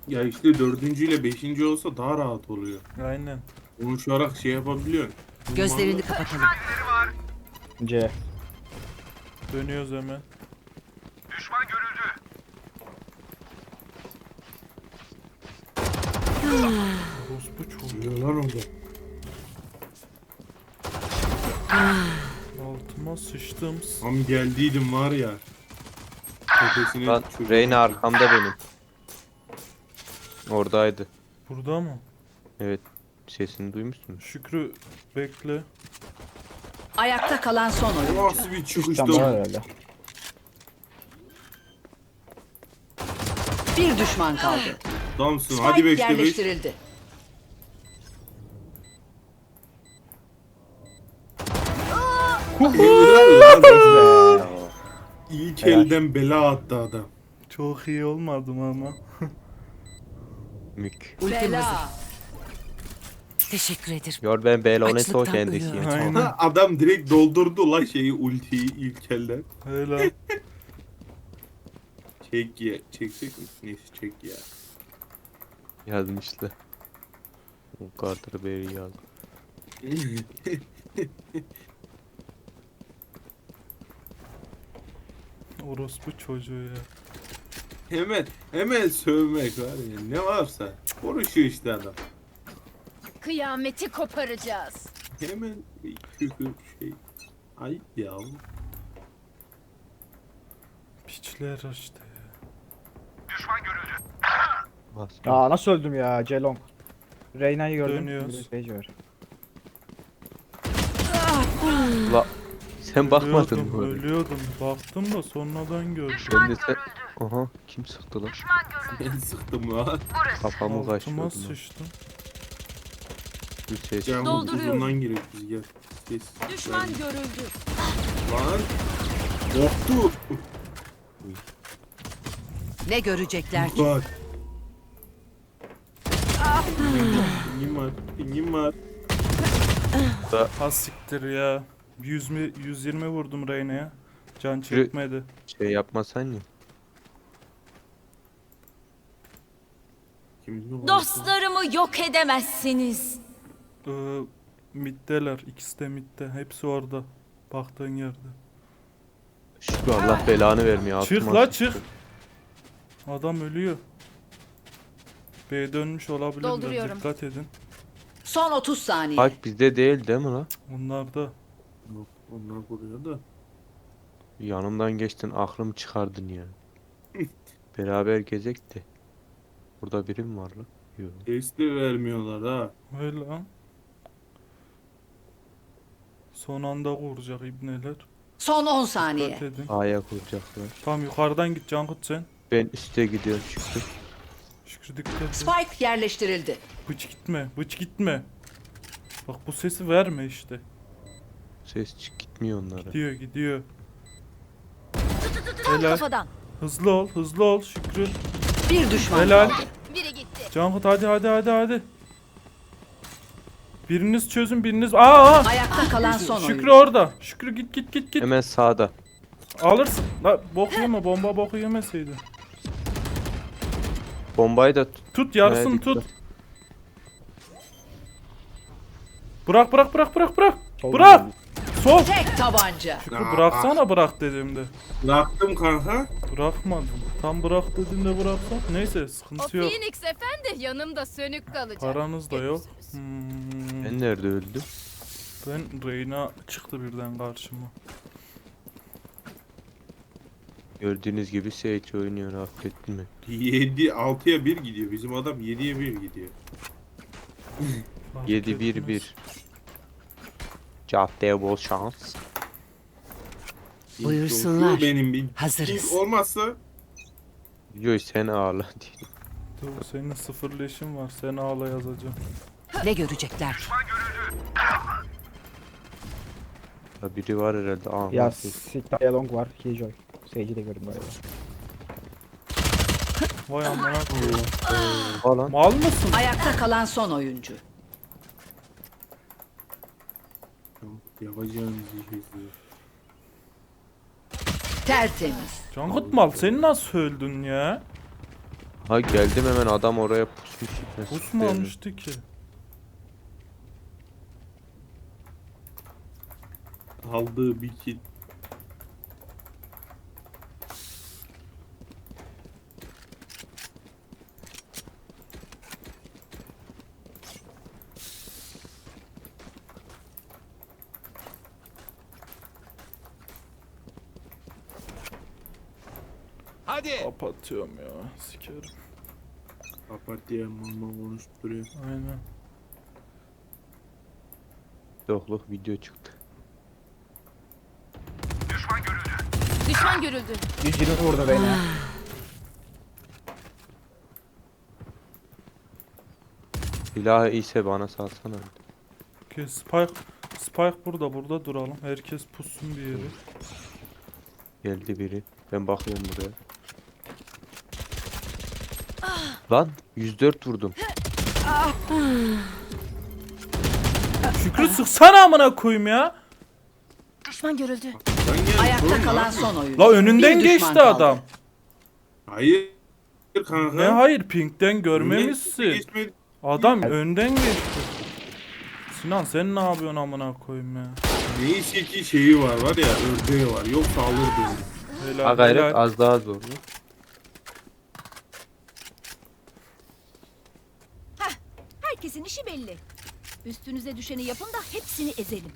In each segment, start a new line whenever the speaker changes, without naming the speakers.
Ya işte dördüncüyle beşinci olsa daha rahat oluyor.
Aynen.
Konuşarak şey yapabiliyorsun.
Gözlerini kapatalım.
C.
Dönüyoruz hemen. Orospu çocuğu.
Diyor lan orada.
Altıma sıçtım.
Tam geldiydim var ya. Tepesine
Lan
çöktüm.
Reyna arkamda benim. Oradaydı.
Burada mı?
Evet. Sesini duymuşsun.
Şükrü bekle.
Ayakta kalan son oyuncu.
Nasıl bir çıkıştı
Tamam
o?
herhalde.
Bir düşman kaldı.
Adamsın.
Spike
Hadi 5'te 5.
yerleştirildi.
İlk elden bela attı adam.
Çok iyi olmadım ama.
Mük.
Bela.
Teşekkür ederim.
Gör ben Beloneto
Açlıktan
kendisi.
ölüyorum.
Aynen.
Adam direkt doldurdu la şeyi ultiyi ilk elden.
Öyle.
Çek ya. Çekecek mi? Neyse çek ya.
Yazmıştı. O Carter Berry yazdı.
Orospu çocuğu ya.
hemen sövmek var ya. Ne varsa. Konuşuyor işte adam.
Kıyameti koparacağız.
Hemen küfür şey. Ayıp ya.
Piçler işte.
Basma.
Aa nasıl öldüm ya C-Long. Reyna'yı gördüm.
Dönüyoruz.
Bir de Sage var.
La sen bakmadın
Ölüyordum,
mı?
ölüyordum. Baktım da sonradan gördüm.
Ben de sen... Aha kim sıktı lan?
Ben sıktım lan.
Kafamı
Altıma
kaçırdım lan.
sıçtım.
Bir ses.
Can
Dolduruyorum.
uzundan giriyor biz gel. Ses.
Düşman görüldü.
Lan. Korktu.
Ne görecekler ki?
Bak. Pingim var. Pingim var.
Ha siktir ya. 120 vurdum Reyna'ya. Can çekmedi.
Şey yapmasan ya.
Kimin mi var?
Dostlarımı yok edemezsiniz.
Middeler. İkisi de midde. Hepsi orada. Baktığın yerde.
Şükrü Allah belanı vermiyor.
Çık
altıma
la
sıçtı.
çık. Adam ölüyor. B dönmüş olabilirler.
Dolduruyorum.
Dikkat edin.
Son 30 saniye.
Bak bizde değil mi lan?
Onlar da.
Yok, onlar vuruyor da.
Yanımdan geçtin aklımı çıkardın ya. Beraber gezek de. Burada biri mi var lan? Yok.
Testi vermiyorlar ha.
Öyle lan. Son anda vuracak ibneler.
Son 10 saniye.
Dikkat edin.
A'ya kuracaklar.
Tamam yukarıdan git Cankut sen.
Ben üste gidiyorum Şükrü.
Şükrü dikkat et.
Spike yerleştirildi.
Bıç gitme. Bıç gitme. Bak bu sesi verme işte.
Ses çık gitmiyor onlara.
Gidiyor gidiyor.
Tam
Helal.
kafadan.
Hızlı ol. Hızlı ol Şükrü.
Bir düşman
Helal.
kaldı.
Biri gitti.
Cankut hadi. Biriniz çözün biriniz. Aa!
Ayakta kalan son
Şükrü
oyuncu.
orada. Şükrü git.
Hemen sağda.
Alırsın. La bok yeme bomba boku yemeseydi.
Bombayı da tut.
Tut yarısını
Verdik
tut.
de.
Bırak.
Sol
Bırak.
geldi.
Sol.
Tek tabanca.
Şükrü bıraksana bırak dediğimde.
Bıraktım kanka.
Bırakmadım. Tam bırak dediğimde bıraksan. Neyse
O
sıkıntı yok.
Phoenix efendi yanımda sönük kalacak.
Paranız da yok.
Görürsünüz.
Ben nerede öldüm?
Ben Reyna çıktı birden karşıma.
Gördüğünüz gibi Sage oynuyor affettin mi?
7 6'ya 1 gidiyor. Bizim adam 7'ye 1 gidiyor.
Fark
7-1-1.
etmez.
Caddeye bol şans.
Buyursunlar.
Benim bir
Hazırız.
ping olmazsa
Yo sen ağla diye.
Dur senin sıfır leşin var. Sen ağla yazacağım.
Ne görecekler ki?
Ya biri var herhalde. Aa,
Ya
nasıl?
Sikta C-Long var. Killjoy. Sage'i de gördüm galiba.
Vay amına koyayım.
Falan.
Mal mısın?
Ayakta kalan son oyuncu.
yapacağımız şey izliyor.
Tertemiz.
Cankut mal sen nasıl öldün ya?
Ha geldim hemen adam oraya pusmuş. Nasıl
Pus mu
belli?
almıştı ki?
Aldığı bir kill.
Kapatıyorum ya. Sikerim.
Papatya mama konuşturuyor.
Aynen.
Yokluk video çıktı.
Düşman görüldü.
120 vurdu Reyna.
Silahı iyiyse bana salsana.
Okey, Spike burada duralım. Herkes pussun bir yere.
Geldi biri. Ben bakıyorum buraya. Lan 104 vurdum.
Şükrü sıksana amına koyayım ya.
Düşman görüldü.
Ben geldim.
Ayakta
oğlum,
kalan
ne
son
yapayım?
oyuncu.
La önünden
Bir düşman
geçti
kaldı.
adam.
Hayır kanka.
Ne hayır pinkten
Önüne
görmemişsin.
geçmedi.
Adam önden geçti. Sinan sen ne yapıyorsun amına koyayım ya.
Neyse ki şeyi var ya ördeği var. Yoksa alırdı.
Helal,
Ha gayret
helal.
az daha zor.
Herkesin işi belli. Üstünüze düşeni yapın da hepsini ezelim.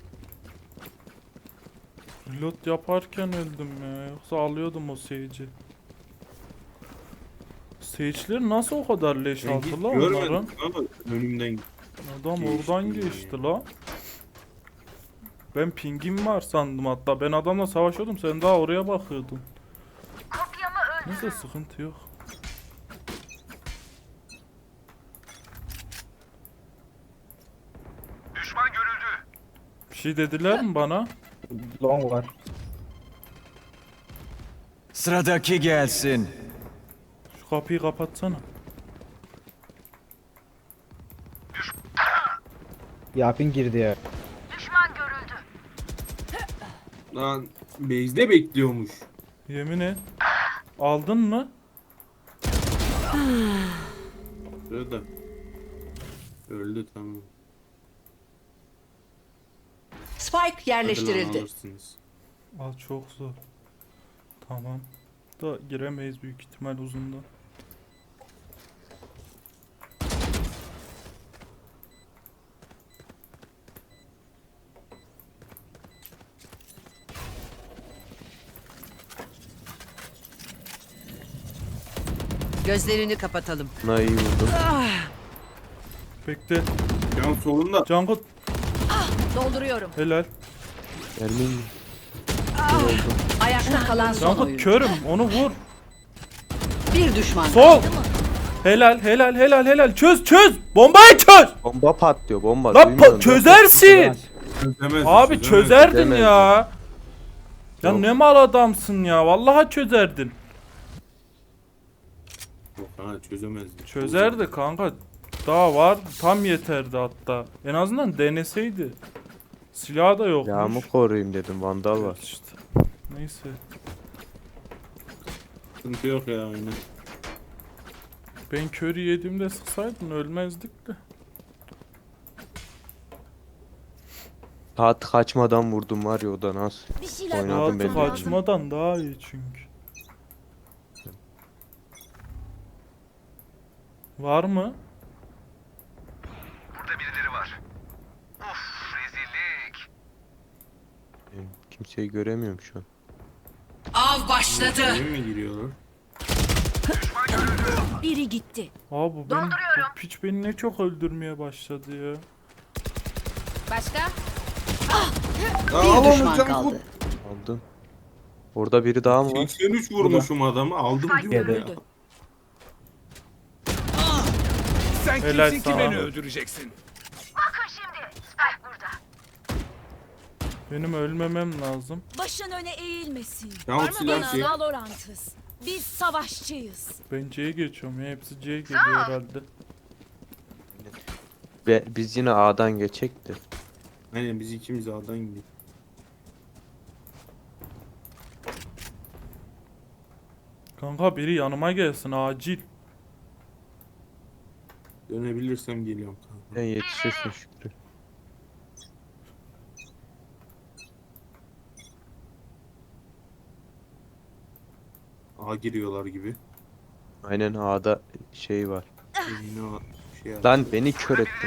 Reload yaparken öldüm ya. Yoksa alıyordum o Sage'i. Sage'ler nasıl o kadar leş
Ben hiç
aldı la onların?
görmedim ama önümden
Adam
Geçti
oradan
ya.
geçti la. Ben pingim var sandım hatta. Ben adamla savaşıyordum. Sen daha oraya bakıyordun. Neyse sıkıntı yok. Bir şey dediler mi bana?
Long var.
Sıradaki gelsin.
Şu kapıyı kapatsana.
Yapin girdi ya.
lan base'de bekliyormuş.
Yemin et. Aldın mı?
Şurada. Öldü tamam.
Spike
Hadi lan
yerleştirildi.
alırsınız.
Aa çok zor. Tamam. Da giremeyiz büyük ihtimal uzunda.
Gözlerini kapatalım.
Buna iyi vurdum.
Bekle.
Can solunda.
Cankut
Dolduruyorum.
helal.
Ermin
Ayakta kalan son
Cankut
oyuncu.
körüm onu vur.
Bir düşman
Sol. Helal. Çöz. Bombayı çöz.
bomba patlıyor bomba.
Lan
duymuyorsun
çözersin.
Çözemez.
Abi çözerdin
Çözemez.
ya. Ya
Yok.
ne mal adamsın ya. Vallahi çözerdin.
Yok ha çözemezdi.
Çözerdi kanka. Daha var. Tam yeterdi hatta. En azından deneseydi. Silah da yokmuş.
Yağımı koruyayım dedim vandal var.
İşte. Neyse.
Sıkıntı yok ya aynen.
Ben körü yediğimde sıksaydın ölmezdik de.
Saat kaçmadan vurdum var ya o da nasıl.
Bir şeyler
Oynadım
Rahatı
belli.
kaçmadan daha iyi çünkü. Var mı?
Ben kimseyi göremiyorum şu an.
Av başladı.
Eve mi giriyorlar?
biri gitti.
Abi bu piç beni ne çok öldürmeye başladı ya.
Başka?
Bir düşman kaldı.
Aldım. Orada biri daha mı var?
83 vurmuşum adamı aldım diyor ya.
Görüldü.
Sen
Helal
kimsin ki
sana.
beni öldüreceksin?
Benim ölmemem lazım.
Başın öne eğilmesin.
Tamam,
Var mı
silah
bana
şey.
Valorant'ız? Biz savaşçıyız.
Ben C'ye geçiyorum ya. Hepsi C'ye geliyor herhalde.
Ve biz yine A'dan geçecekti.
Aynen biz ikimiz A'dan gidiyor.
Kanka biri yanıma gelsin acil.
Dönebilirsem geliyorum kanka.
Sen yetişirsin Şükrü.
A giriyorlar gibi.
Aynen A'da şey var.
Yine o şey
Lan beni kör ettin.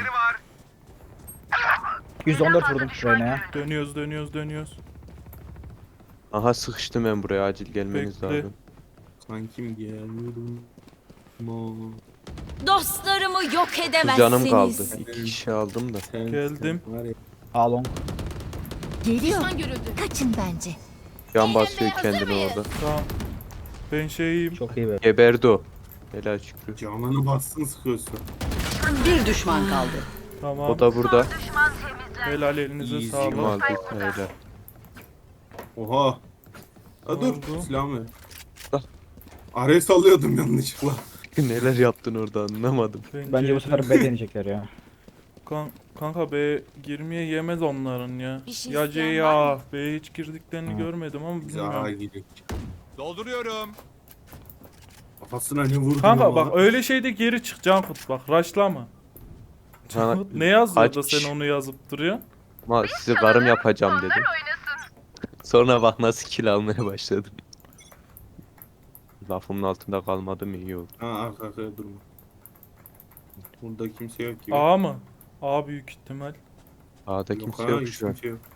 114 vurdum Reyna'ya.
Dönüyoruz.
Aha sıkıştım ben buraya, acil gelmeniz
Bekle.
lazım.
Kankim gelmiyorum. Mo.
Dostlarımı yok
Kız
edemezsiniz.
canım kaldı. 2 kişi aldım da.
Sen,
Geldim.
Sen var ya,
A long.
Geliyor. Kaçın bence.
Can basıyor kendini orada.
Tamam. Ben şeyim.
Çok iyi be.
Geberdi o. Helal Şükrü.
canını bassın sıkıyorsun.
Bir düşman kaldı.
Tamam.
O da burada.
Helal elinize
Easy.
Kim
sağlık.
aldı? Helal.
Oha.
Ne
Ha dur
oldu?
silahımı ver.
Al.
Ares alıyordum yanlışlıkla.
Neler yaptın orada anlamadım.
Bence bu sefer B deneyecekler ya.
Kanka B girmeye yemez onların ya.
Bir şey
Ya
isteyen
C
var
ya. B'ye hiç girdiklerini görmedim ama
Biz A'ya
bilmiyorum.
gidelim.
Dolduruyorum.
Kafasına ne vurdun
Kanka
ama?
bak öyle şeyde geri çık Cankut bak raşlama. Cankut ne yazıyor da
Aç.
sen onu yazıp duruyorsun?
Ama size karım yapacağım dedim. Sonra bak nasıl kill almaya başladım. Lafımın altında kalmadım, iyi oldu.
Ha arka arkaya durma. Burada kimse yok gibi.
A mı? A büyük ihtimal.
A'da
Yok
kimse
ha,
yok
hiç
şu an.
kimse yok.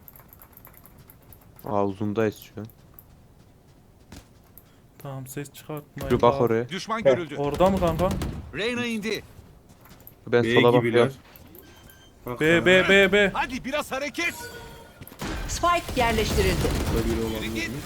A uzundayız şu an.
Tamam ses çıkartmayın.
Bir bak
A.
oraya.
Düşman
Evet.
görüldü.
Orada mı kanka?
Reyna indi.
Ben
B
sola
gibiler.
bakıyorum.
Bak,
B B B B.
Hadi biraz hareket.
Spike yerleştirildi.
Burada biri olabilir mi?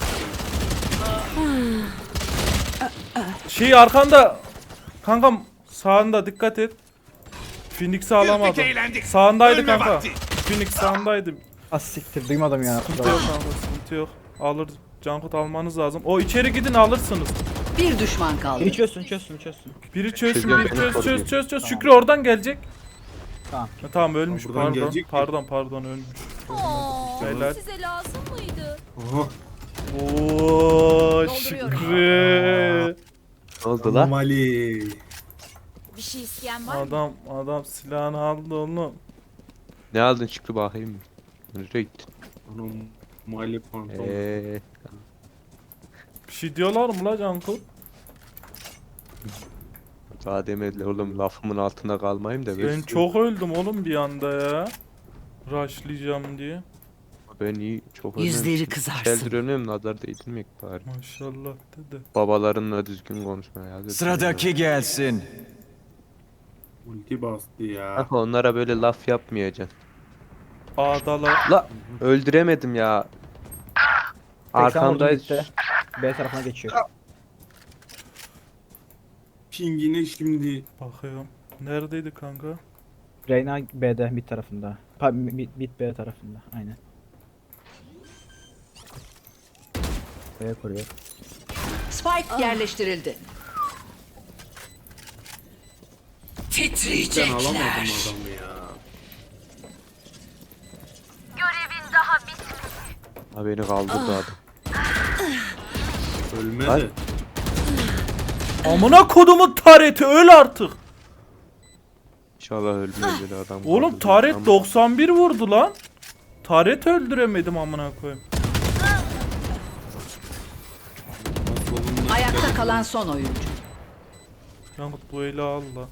Şey arkanda. Kankam sağında dikkat et. Phoenix'i alamadım.
Güldük, eğlendik.
Sağındaydı
Ölme
kanka.
vakti.
Phoenix sağındaydı.
Az siktir duymadım ya.
Sıkıntı yok kanka sıkıntı yok. Alır. Cankut almanız lazım. O içeri gidin alırsınız.
Bir düşman kaldı.
Biri çözsün.
Biri çözsün,
Çözüyorum,
biri
beni
çöz.
koruyor.
Şükrü oradan gelecek.
Tamam.
Ha, tamam ölmüş
Buradan
pardon.
gelecek mi?
Pardon ölmüş. Helal.
Size lazım mıydı?
Aha.
Oo Şükrü.
Ne oldu lan?
Anomali.
Bir şey isteyen var mı?
Adam silahını aldı oğlum.
Ne aldın Şükrü bakayım. Nereye gittin?
Anomali pantolon.
Bir şey diyorlar mı la Cankut?
Daha demediler oğlum, lafımın altında kalmayayım da.
Ben çok öldüm oğlum bir anda ya. Rushlayacağım diye.
Ben iyi çok
Yüzleri
önemli.
kızarsın.
Keldir önüm, nazar değdirmek bari.
Maşallah dedi.
Babalarınla düzgün konuşma ya.
Sıradaki gelsin.
Ulti bastı ya.
Kanka onlara böyle laf yapmayacaksın.
A'dalar.
La öldüremedim ya. Arkandayız.
B tarafına geçiyor.
Pingine şimdi.
Bakıyorum. Neredeydi kanka?
Reyna B'de mid tarafında. Mid B tarafında. Aynen. B koruyor.
Spike yerleştirildi.
Ben alamadım
Titriyecekler.
adamı ya.
Ha beni kaldırdı adam.
Ölmedi.
Lan.
Amına kodumun tareti öl artık.
İnşallah ölmez böyle adam.
Oğlum
kaldırdı.
taret
Ama
91 vurdu lan. Taret öldüremedim amına koyayım.
Solunda
Ayakta kalan son oyuncu.
Cankut bu eli al la.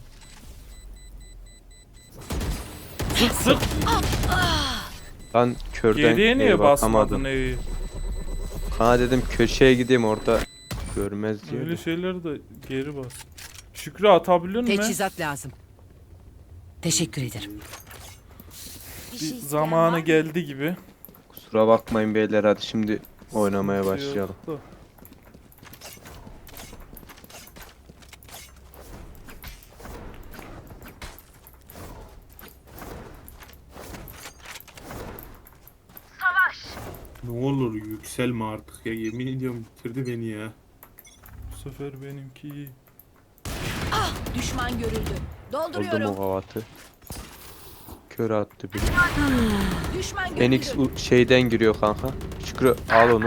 Sık sık.
Ben körden
Geriye niye
bakamadım.
basmadın evi?
Kana dedim köşeye gideyim orada görmez diye.
Öyle
de.
şeyleri de geri bas. Şükrü atabiliyor musun?
Teçhizat lazım.
Teşekkür ederim.
Bir şey isteyen
Zamanı
var mı?
geldi gibi.
Kusura bakmayın beyler, hadi şimdi oynamaya
Sıkıntı
başlayalım.
yok da.
Ne olur yükselme artık ya. Yemin ediyorum bitirdi beni ya.
Bu sefer benimki iyi.
Düşman görüldü.
Oldum
Dolduruyorum.
o kavatı. Kör attı biri.
Düşman görüldü.
Phoenix şeyden giriyor kanka. Şükrü al onu.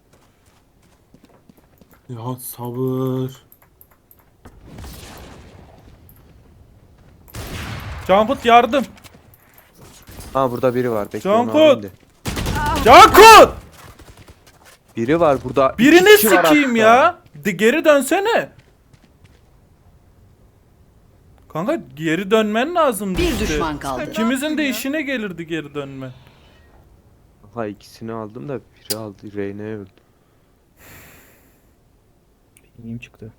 Ya sabır.
Cankut yardım.
Ha burada biri var. Bekle
Cankut!
onu alayım da.
Cankut!
Biri var burada. İki
Birini
kişi var
sikeyim
hatta.
ya. Geri dönsene. Kanka geri dönmen lazım.
Bir düşman kaldı.
İkimizin de işine gelirdi geri dönme.
Ha ikisini aldım da biri aldı. Reyna'ya öldü.
Pingim çıktı.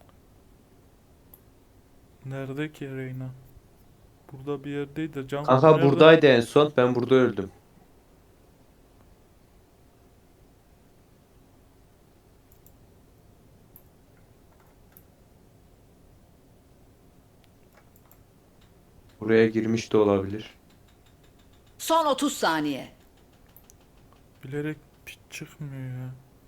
Nerede ki Reyna? Burada bir yerdeydi. Cankut
Kanka
nerede?
buradaydı en son. Ben burada öldüm. Buraya girmiş de olabilir.
Son 30 saniye.
Bilerek piç çıkmıyor ya.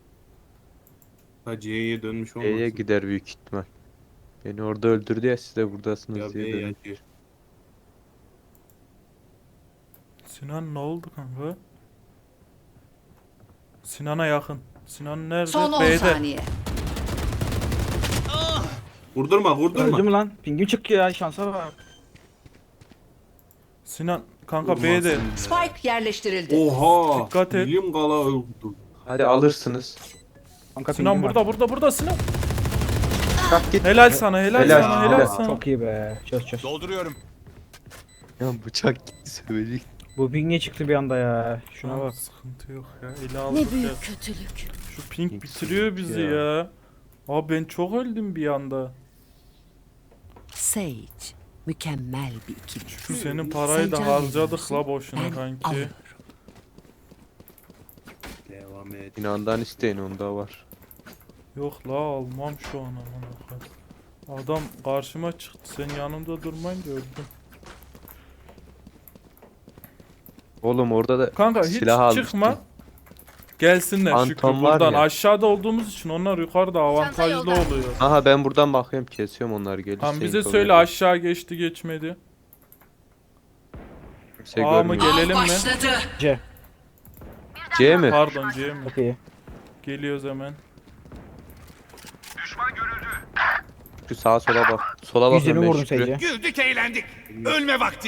Ha C'ye dönmüş
B'ye
olmasın.
gider büyük ihtimal. Beni orada öldürdü ya siz de buradasınız
Ya
diye
B
dönüyor.
ya C.
Sinan ne oldu kanka? Sinan'a yakın. Sinan nerede?
Son 10
B'de.
saniye.
Vurdurma vurdurma.
Öldüm lan. Pingim çıktı ya, şansa bak.
Sinan kanka
Vurmazsın
B'de.
ya.
Spike yerleştirildi.
Oha.
Dikkat et.
Milim kala öldü.
Hadi alırsınız.
Kanka
Sinan
pingim
burada burada Sinan.
Kalk git.
Helal sana helal
Helal,
sana
helal.
helal
var.
sana.
Çok iyi be. Çöz.
Dolduruyorum.
Ya bıçak gitti sövecek.
Bu ping niye çıktı bir anda ya? Şuna
Şuna
bak.
Sıkıntı yok ya. Ele aldık
Ne
ya.
büyük kötülük.
Şu ping
Ping
bitiriyor
sıkıntı
bizi
ya.
ya. Abi ben çok öldüm bir anda.
Sage. Mükemmel bir ikili.
Şu senin parayı da
Sen can
harcadık
veriyorsun,
la boşuna
Ben
kanki.
alıyorum.
Devam et.
İnandan isteyin onda var.
Yok la almam şu an aman akıllı. Adam karşıma çıktı. Sen yanımda durmayınca öldüm.
Oğlum orada da
Kanka hiç
silah almıştım.
çıkma. Gelsinler Şükrü
Phantom var
buradan.
ya.
Aşağıda olduğumuz için onlar yukarıda avantajlı oluyor.
Aha ben buradan bakıyorum kesiyorum onları gelirse.
Tamam bize
info
söyle
verin.
aşağı geçti geçmedi.
Kimse
A mı
görmüyor.
gelelim mi?
C.
C mi?
Pardon C mi?
Çok iyi.
Geliyoruz hemen.
Şu sağa sola bak. Sola bak
120
hemen
vurdum
Şükrü.
Sage'e.
Güldük eğlendik. Ölme vakti.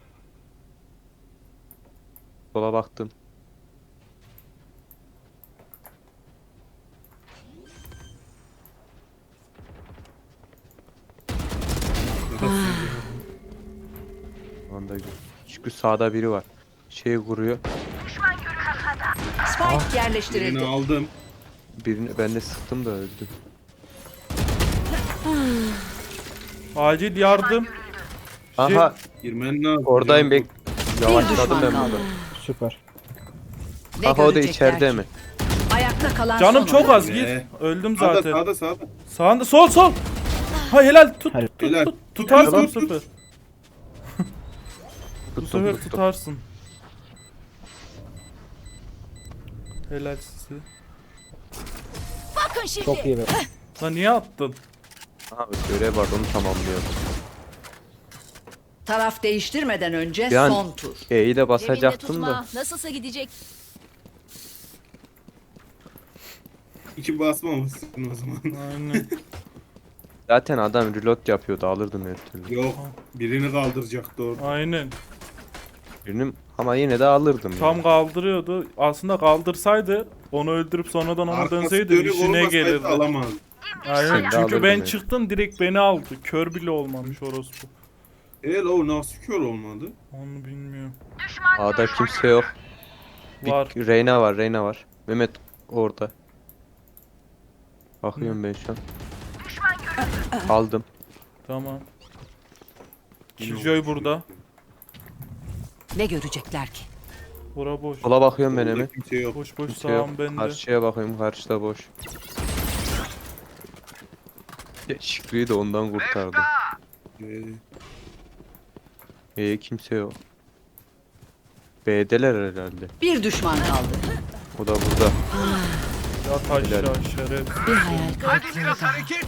Sola baktım. Anda Şükrü sağda biri var. Şey vuruyor.
Spike
Birini
yerleştirildi.
aldım.
Birini ben de sıktım da öldü.
Acil yardım.
Aha
Girmen lazım.
oradayım bek.
Bir
Yavaşladım
düşman
ben
kaldı.
burada.
Süper.
Ne
Aha o da
görecekler
içeride
ki?
mi?
Ayakta kalan
Canım
son
çok
oyuncu.
az git. Öldüm
Sağda
zaten.
sağda sağda.
Sağında sol. Ha helal tut
Helal.
tut
Helal.
tut. Tutarsın bu
Tut, tut.
sefer. Bu
Tuttum,
sefer
tuttum.
tutarsın. Helal size.
Bakın şimdi.
Çok iyi be.
Lan niye attın?
Aha görev var onu tamamlıyorum.
Taraf değiştirmeden önce
Bir an-
son tur.
E'yi de
Cebinde
basacaktım da.
tutma. Nasılsa gidecek.
İki basmamışsın o zaman.
Aynen.
Zaten adam reload yapıyordu alırdım her türlü.
Yok. Birini kaldıracaktı orada.
Aynen.
Birini ama yine de alırdım.
Tam
yani.
kaldırıyordu. Aslında kaldırsaydı onu öldürüp sonradan ona
Arkası
dönseydi
dönük
işine
olmasaydı
gelirdi.
alamaz.
Aynen.
Sen de
Çünkü
alırdın
ben
yani.
çıktım direkt beni aldı. Kör bile olmamış orospu.
O nasıl kör olmadı?
Onu bilmiyorum.
A'da kimse yok. Bir
Var.
Reyna var. Mehmet orada. Bakıyorum ben şu an. Aldım.
Tamam.
Yine
Killjoy
olmuş.
burada.
Ne görecekler ki?
Bura boş.
Sola bakıyorum ben
Orada
hemen.
kimse yok.
Boş boş
Kimse yok.
sağım bende.
Karşıya bakıyorum. Karşıda boş. Ya, Şükrü'yü de ondan kurtardım. Kimse yok. B'deler herhalde.
Bir düşman kaldı.
O da burada.
Yat aşağı
Helal.
şeref.
Bir hayal kırıklığı
Biraz
daha.
hareket.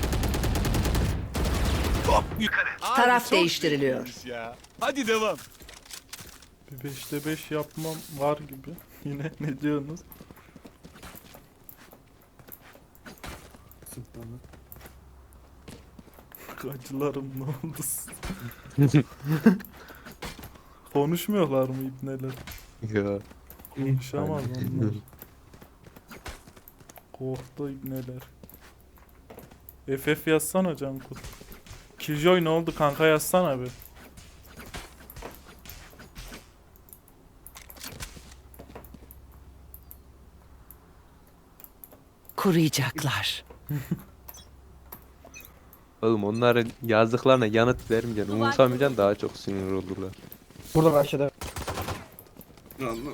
Hop yukarı.
Taraf
çok
değiştiriliyor.
iyiymiş ya. Hadi devam.
Bir 5'te 5 yapmam var gibi. Yine ne diyorsunuz? Acılarım ne oldu? Konuşmuyorlar mı ibneler?
Ya.
Konuşamaz onlar. Korktu ibneler. FF yazsana Cankut. Killjoy ne oldu kanka yazsana bir.
Kuruyacaklar.
Oğlum onların yazdıklarına yanıt vermeyeceksin. Umursamayacaksın, daha çok sinir olurlar.
Burada başladı.
Anladım.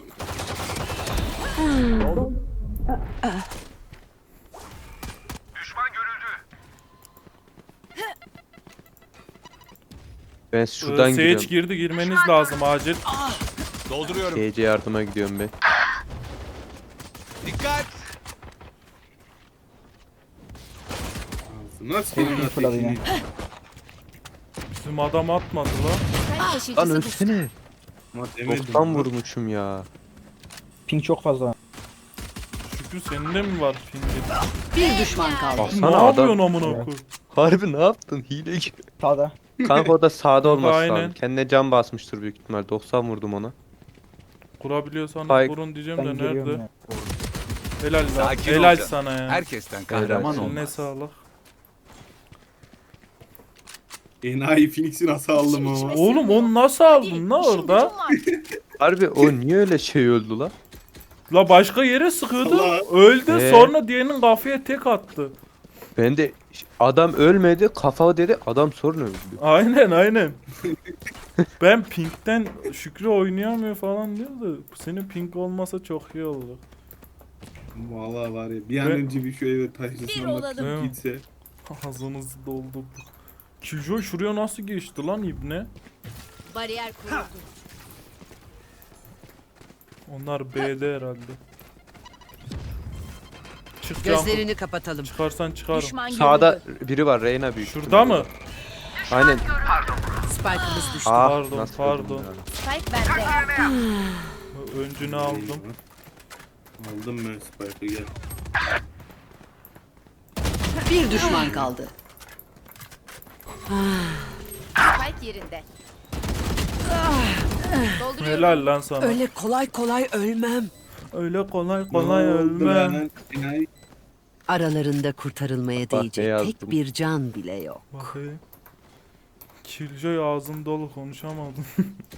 Ben şuradan
Sage
gidiyorum.
girdi, girmeniz lazım acil.
Dolduruyorum.
Gece yardıma gidiyorum ben.
Dikkat.
Ağzına senin
fırladı yine.
ateşini.
Bizim adam atmadı la.
Sen
Lan
taşıyıcısı bu.
ölsene.
Ama demedim.
90 vurmuşum ya.
Ping çok fazla.
Şükrü senin de mi var pingin?
Bir düşman kaldı.
Ne
Baksana
yapıyorsun
adam.
amına
Evet.
koyayım?
Harbi ne yaptın? Hile gibi.
Sağda.
Kanka o da sağda olması
Aynen.
lazım. Kendine can basmıştır büyük ihtimal. 90 vurdum ona.
Kurabiliyorsanız
Spike.
kurun diyeceğim
Ben
de
geliyorum
nerede?
ya.
Helal lan.
Sakin
Helal
olacaksın.
sana ya.
Herkesten kahraman
Helal.
Eline
olmaz.
sağlık.
Enayi Phoenix'i nasıl aldım ama.
Oğlum onu nasıl aldın la
İşin
orada?
gücün var.
Harbi o niye öyle şey öldü la?
La başka yere sıkıyordu.
Allah.
Öldü
Ee?
sonra diğerinin kafaya tek attı.
Ben de adam ölmedi, kafa dedi, adam sonra öldü.
Aynen aynen. Ben Pink'ten Şükrü oynayamıyor falan diyor da senin Pink olmasa çok iyi olur.
Vallahi var ya bir an
Ben-
önce bir şu eve
Bir
taşısın
olalım.
ama gitse.
Ağzınızı doldurduk. Killjoy şuraya nasıl geçti lan ibne?
Bariyer kuruldu.
Onlar B'de herhalde. Çık Cankut.
Gözlerini kapatalım.
Çıkarsan çıkarım.
Düşman
Sağda
görüldü.
biri var, Reyna büyük.
Şurada
ihtimalle.
mı?
Aynen.
Spike'ımız düştü.
Ah,
Pardon,
nasıl
pardon.
öldüm ya?
Spike bende.
Öncünü aldım.
Aldım ben Spike'ı gel.
Bir düşman kaldı.
Spike yerinde. Dolduruyorum.
Helal lan sana.
Öyle kolay kolay ölmem.
Öyle kolay kolay
Ne oldu
ölmem.
lan? Enayi.
Aralarında kurtarılmaya
Bak ne
değecek
yazdım.
tek bir can bile yok.
Bakayım. Killjoy ağzım dolu konuşamadım.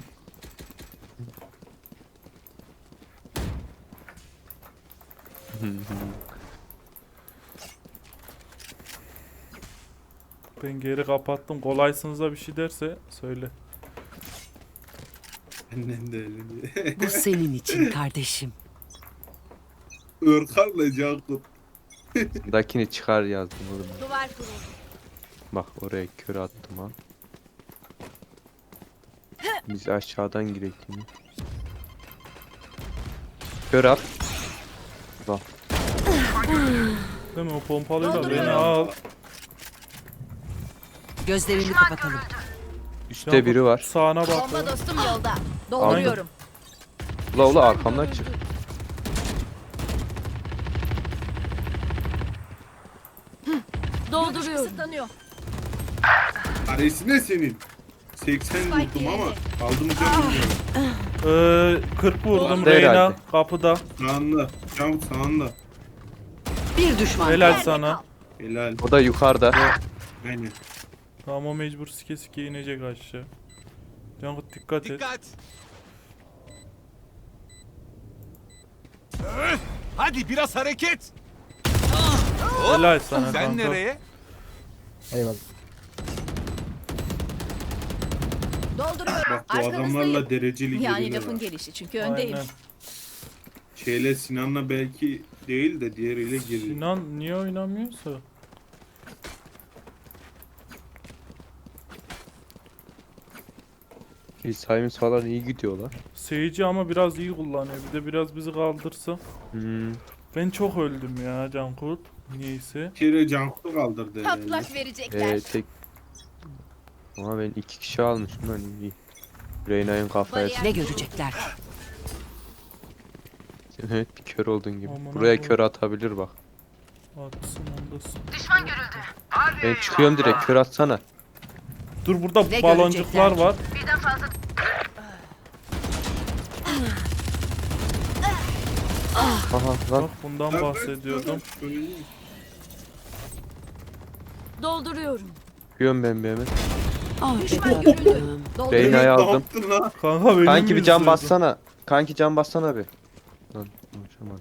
Ben geri kapattım. Kolaysınız da bir şey derse söyle.
Annem de öyle.
Bu senin için kardeşim.
Örkarla Cankut.
Dakini çıkar yazdım oğlum.
Duvar kuruldu.
Bak oraya kör attım ha. Biz aşağıdan girek yine. Kör at. Bak
Değil mi? O pompalıyla beni
Dolduruyorum.
al.
Gözlerini kapatalım.
üstte biri var.
Sağına bak.
Bomba dostum yolda. Dolduruyorum.
Ula ula arkamdan çık.
Dolduruyorum. Kısıtlanıyor.
Aresi ne senin? 80 vurdum ama aldım canım.
40 vurdum
Değil
Reyna
herhalde.
kapıda.
Sağında. Cam sağında.
Bir düşman
Helal
kaldı.
sana.
Helal.
O da yukarıda.
Aynen.
Tamam o mecbur sike sike inecek aşağı. Cankut dikkat et.
Dikkat. Hadi biraz hareket.
Helal sana
Sen
kanka.
nereye?
Eyvallah.
Dolduruyorum.
Bak bu adamlarla dereceli
Yani
geliyorlar.
lafın gelişi çünkü öndeyim.
Aynen.
Şeyle Sinan'la belki değil de diğeriyle giriyor.
Sinan niye oynamıyorsa?
İsa'yımız falan iyi gidiyorlar.
Seyirci ama biraz iyi kullanıyor. Bir de biraz bizi kaldırsa.
Hmm.
Ben çok öldüm ya Cankut. Niyeyse.
Bir kere Cankut'u kaldırdı herhalde.
Patlak verecekler.
Tek. Ama ben 2 kişi almışım hani iyi. Reyna'nın kafaya
Bariyer-
Ne görecekler ki?
Sen evet bir kör oldun gibi.
Aman
Buraya
Allah'ım.
kör atabilir bak.
Atsın ondasın.
Ben çıkıyorum direkt kör atsana.
Dur burada
Ne
baloncuklar
görecekler
var.
Aha lan.
Bak bundan bahsediyordum.
Dolduruyorum.
Yiyorum ben bir hemen.
Ah,
Düşman görüldü.
Reyna'yı
Dolduruyorum.
Ne
aldım.
yaptın lan?
Kanka beni
Kanki
mi
bir can
izliyordun?
bassana. Kanki can bassana bir. Lan konuşamadım.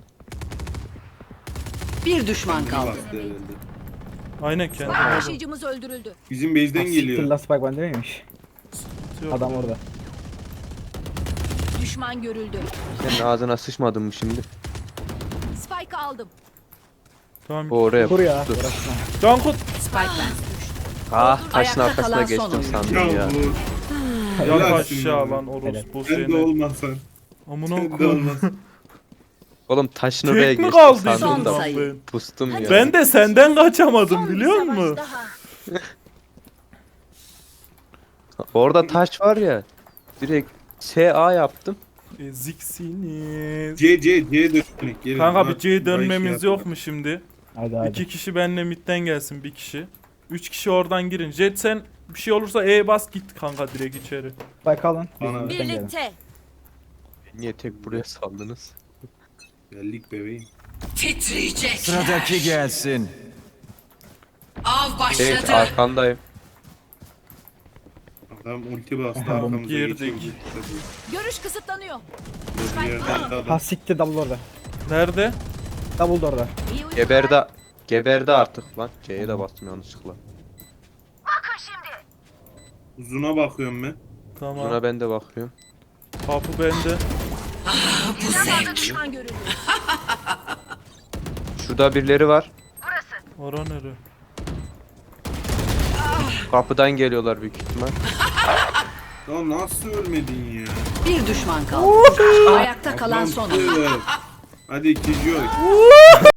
Bir düşman kaldı.
Bastı herhalde.
Aynen kendi
Spike
aldım.
taşıyıcımız öldürüldü.
Bizim base'den
Siktir
geliyor.
la Spike bende miymiş?
Yok.
Adam orada.
Düşman görüldü.
Senin ağzına sıçmadın mı şimdi?
Spike aldım.
Tamam.
O oraya
Kur ya.
pustu.
Uğraşma.
Cankut.
Spike ben.
Ah taşın
Ayakta
arkasına
kalan
geçtim
son
sandım
Ya
ya.
bu.
Yat
Helalsin
aşağı
lan.
lan orospu
Sen de
seni.
olmasan.
Amına
Sen de
koyayım.
olmasan.
Oğlum taşın oraya
Tek mi
geçtim
kaldı
sandım
Son
da
sayı.
ben?
pustum ya.
Ben de senden kaçamadım
Son bir
biliyor
savaş
musun?
daha.
Orada taş var ya. Direkt SA yaptım.
Eziksiniz.
C dönmek. Gelin.
Kanka
Ha,
bir C dönmemiz
burayı şey
yok mu şimdi?
Hadi hadi.
2 kişi benle midden gelsin bir kişi. 3 kişi oradan girin. Jet sen bir şey olursa E bas git kanka direkt içeri.
Spike alın. Biz
Bana-
bizden gelin.
Birlikte.
Niye tek buraya saldınız?
Geldik bebeğim.
Titriyecek.
Sıradaki gelsin.
Av
Evet
başladı.
arkandayım.
Adam ulti bastı
Aha,
arkamıza
girdik.
geçiyordu.
Görüş kısıtlanıyor.
Tabii. Bir yerden de
Ha
adam.
siktir double orada.
Nerede?
Double da orada.
İyi uykular.
Geberdi artık lan. C'ye de bastım yanlışlıkla.
Uzuna bakıyorum ben.
Tamam.
Buna ben de bakıyorum.
Kapı bende.
Düşman görüldü.
Şurada birileri var.
Ora nere?
Kapıdan geliyorlar büyük ihtimal.
Ya nasıl ölmedin ya?
Bir düşman kaldı. Ayakta kalan son oyun.
Adamsın. Hadi ikinci oy.